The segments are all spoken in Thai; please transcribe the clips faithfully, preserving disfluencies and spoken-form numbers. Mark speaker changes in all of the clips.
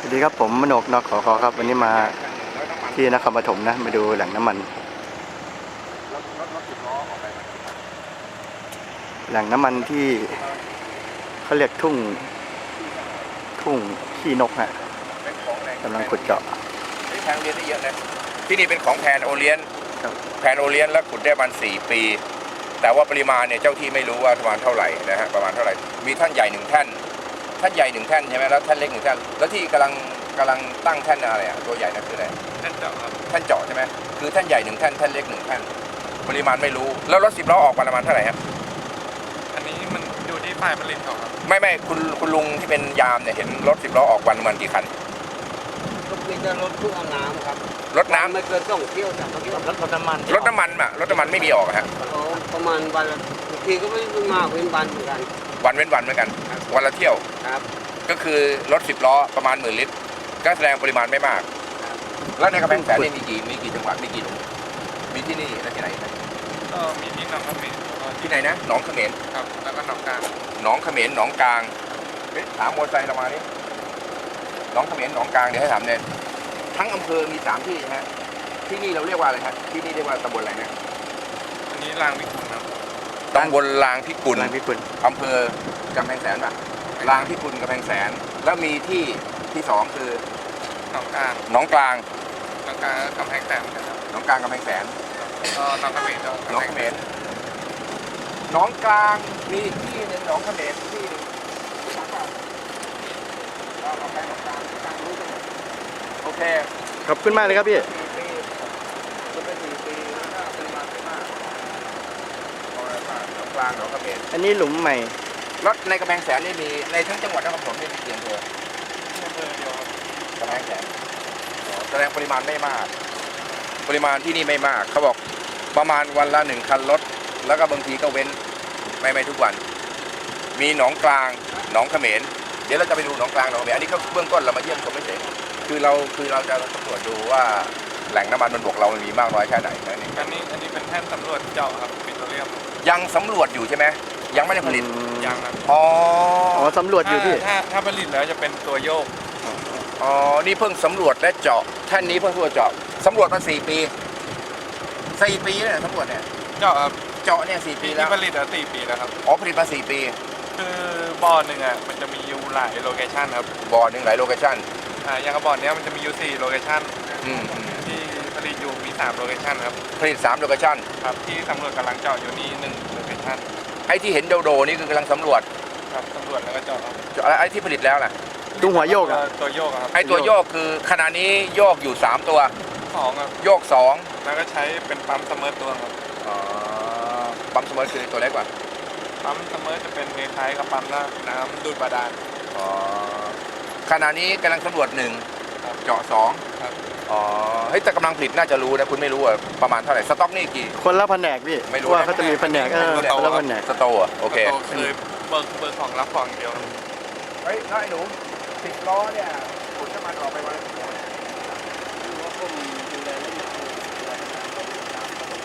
Speaker 1: สวัสดีครับผมมโนกนขอขอครับวันนี้มาที่นครปฐมนะมาดูแหล่งน้ำมันแหล่งน้ำมันที่เขาเรียกทุ่งทุ่งขี้นกฮะกำลังขุดเจาะ
Speaker 2: ที่แพนโอเลียนได้เยอะนะที่นี่เป็นของแพนโอเลียนแพนโอเลียนแล้วขุดได้ประมาณสี่ปีแต่ว่าปริมาณเนี่ยเจ้าที่ไม่รู้ว่าประมาณเท่าไหร่นะฮะประมาณเท่าไหร่มีท่านใหญ่หนึ่งแท่นท่านใหญ่หนึ่งแท่นใช่ไหมแล้วท่านเล็กหนึ่งแท่นแล้วที่กำลังกำลังตั้งแท่นอะไรอ่ะตัวใหญ่นั่นคืออะไรท่านเจาะครับท่านเจาะใช่ไหมคือท่านใหญ่หนึ่งแท่นท่านเล็กหนึ่งแท่นปริมาณไม่รู้แล้วรถสิบล้อออกประมาณเท่าไหร่ครับ
Speaker 3: อันนี้มันอยู่ที่ฝ่ายผลิตเขาครับ
Speaker 2: ไม่ไม่คุณคุณลุงที่เป็นยามเนี่ยเห็นรถสิบล้อออกวันประมาณกี่คัน
Speaker 4: รถมีแต่รถตู้เอาน้ำครับ
Speaker 2: รถน้ำ
Speaker 4: ไม่เกินสองเที่ยวจากเที่ยวรถน้ำมัน
Speaker 2: รถน้ำมันอ่ะรถน้ำมันไม่มีออกฮะ
Speaker 4: ประมาณวันละบางทีก็ไม่มากเว้นวันเหมือนกัน
Speaker 2: วันเว้นวันเหมือนกันวันละเที่ยว
Speaker 4: ครับ
Speaker 2: ก็คือรถสิบล้อประมาณหมื่นลิตรก็แสดงปริมาณไม่มากแล้วในกำแพงแสนนี่มีกี่มีกี่จังหวัดมีกี่หลุมมีที่นี่และที่ไหน
Speaker 3: ก็มีที่หนองเขมร
Speaker 2: ที่ไหนนะหนองเขมร
Speaker 3: ครับแล้วก็หนองกลาง
Speaker 2: หนองเขมรหนองกลางถามมอเตอร์ไซค์เรามาดิหนองเขมรหนองกลางเดี๋ยวให้ถามเนี่ยทั้งอำเภอมีสามที่ฮะที่นี่เราเรียกว่าอะไรฮะที่นี่เรียกว่าตำบลอะไรนะ
Speaker 3: อันนี้ลางพิกุลครับ
Speaker 2: ตำบลลางพิกุล
Speaker 1: ลางพิกุล
Speaker 2: อำเภอกำแพงแสนป่ะลางพิกุลกำแพงแสนแล้วมีที่ที่สองคือ
Speaker 3: หนองกลาง
Speaker 2: หนองกลาง
Speaker 3: หนองกลางกำแพงแสนนะครับ
Speaker 2: หนองกลางกำแพงแสน
Speaker 3: ก็หนองเขมร
Speaker 2: หนองเขมรหนองกลางมีที่หนึ่งหนองเขมรที่หนึ่งโอเค
Speaker 1: ขอบคุณมากเลยครับพี่
Speaker 2: กลางหนองเขมร
Speaker 1: อันนี้หลุมใหม่
Speaker 2: รถในกำแพงแสนนี่มีในทั้งจังหวัดนครปฐมนี่มีกี่อำเภอ
Speaker 3: อำเภอเดียว
Speaker 2: กำแพงแสนแสดงปริมาณไม่มากปริมาณที่นี่ไม่มากเขาบอกประมาณวันละหนึ่งคันรถแล้วก็บางทีก็เว้นไม่ไม่ทุกวันมีหนองกลางหนองเขมรเดี๋ยวเราจะไปดูหนองกลางหนองเขมรอันนี้ก็เบื้องต้นเรามาเยี่ยมชมไม่เฉยคือเราคือเราจะสำรวจดูว่าแหล่งน้ำมันบนบกเรามีมากน้อยแค่ไหนนั่นเอง
Speaker 3: อันนี้อันนี้เป็นแท่นสำรวจเจาะครับปิโตรเลียม
Speaker 2: ยังสำรวจอยู่ใช่ไหมยังไม่ได้ผลิต
Speaker 3: ยังครับ
Speaker 2: อ๋อ
Speaker 1: อ๋อสำรวจอยู่พี่
Speaker 3: ถ้าถ้าผลิตแล้วจะเป็นตัวโยก
Speaker 2: อ๋อนี่เพิ่งสำรวจและเจาะแท่นนี้เพิ่งสำรวจเจาะสำรวจมาสี่ปีสี่ปีเนี่ยสำรวจเนี่ย
Speaker 3: เจาะครับ
Speaker 2: เจาะเนี่ยสี่ปีแล้ว
Speaker 3: ผลิตอ่ะสี่ปีแล้วครับ
Speaker 2: อ๋อผลิตมาสี่ปี
Speaker 3: คือบ่อหนึ่งอ่ะมันจะมีอยู่หลายโลเคชั่นครับ
Speaker 2: บ่อหนึ่งหลายโลเคชั่น
Speaker 3: อ่าอย่างกับบ่อเนี้ยมันจะมีอยู่สี่โลเคชั่น
Speaker 2: อืม
Speaker 3: ที่ผลิตอยู่มีสามโลเคชั่นครับ
Speaker 2: ผลิตสามโลเคชั่น
Speaker 3: ครับที่สำรวจกำลังเจาะอยู่นี่หนึ่งโลเคชั่น
Speaker 2: ไอ้ที่เห็นโดโดนี่คือกำลังสำรวจ
Speaker 3: ครับสำรวจแล้วก็เจาะ
Speaker 2: เจาะไอ้ที่ผลิตแล้วล่ะ
Speaker 1: ตัวหัวโยกอ่ะ
Speaker 3: ตัวโยกครับ
Speaker 2: ไอ้ตัวโยกคือขณะนี้โยกอยู่สามตัว
Speaker 3: สองครับ
Speaker 2: โยกสอง
Speaker 3: แล้วก็ใช้เป็นปั๊มเสมอตัวครับ
Speaker 2: อ๋อปั๊มเสมอคือตัวเล็กกว่า
Speaker 3: ปั๊มเสมอจะเป็นคล้ายๆกับปั๊มน้ำดูดบาดาล
Speaker 2: อ๋อขณะนี้กำลังสำรวจหนึ่งเจาะสอง
Speaker 3: ครับ
Speaker 2: อ๋อเฮ้ยแต่กำลังผลิตน่าจะรู้นะคุณไม่รู้อะประมาณเท่าไหร่สต็อกนี่กี่
Speaker 1: คนละแผนกพี่
Speaker 2: ไม่รู้
Speaker 1: ว่าเขาจะมีแผนกเออคนละแผนก
Speaker 2: สโตอ่ะโอเค
Speaker 3: คือเบิร์เบิร์ของรับของเดียว
Speaker 2: เฮ้ยน้อยหนูสิบล้อเนี่ยขุดน้ำมันออกไปวัน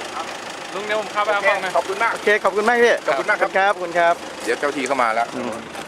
Speaker 3: ลุงเดี๋ยวผมเข้าไปเอาของนะ
Speaker 2: ขอบคุณมาก
Speaker 1: โอเคขอบคุณมากพี่
Speaker 2: ขอบคุณมากครับ
Speaker 1: ครับขอบคุณครับ
Speaker 2: เดี๋ยวเจ้าที่เข้ามาแล้ว